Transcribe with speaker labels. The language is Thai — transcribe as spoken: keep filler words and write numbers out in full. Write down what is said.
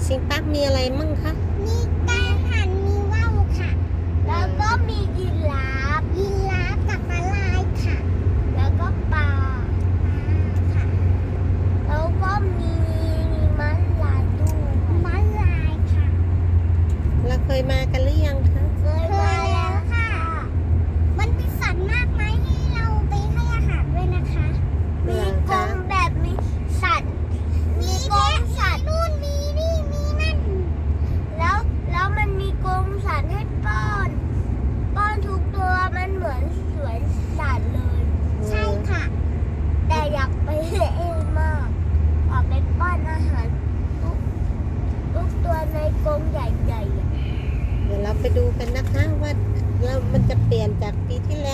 Speaker 1: Amazing Park มีอะไรมั่งคะ
Speaker 2: มีไก่หันมีว่าวค่ะแล้วก็มียีราฟยีราฟกับม้าลายค่ะแล้วก็ปลาปลาค่ะแล้วก็มีม้าลายด้วยม้าลายค่ะ
Speaker 1: เราเคยมากันหรือยังคะ
Speaker 2: เคยมาแล้วค่ะมันมีสัตว์มากมายให้เราไปให้อาหารด้วยนะคะมีกรงแบบมีสัตว์มีกรงสัตว์นู่นมีนี่มีนั่นแล้วแล้วมันมีกรงสัตว์ให้ป้อนป้อนทุกตัวมันเหมือนสวนสัตว์เลยใช่ค่ะแต่อยากไปเองมากอยากไปป้อนอาหารทุกทุกตัวในกรงใหญ่ๆ
Speaker 1: เดี๋ยวเราไปดูกันนะคะว่าเรามันจะเปลี่ยนจากปีที่แล้ว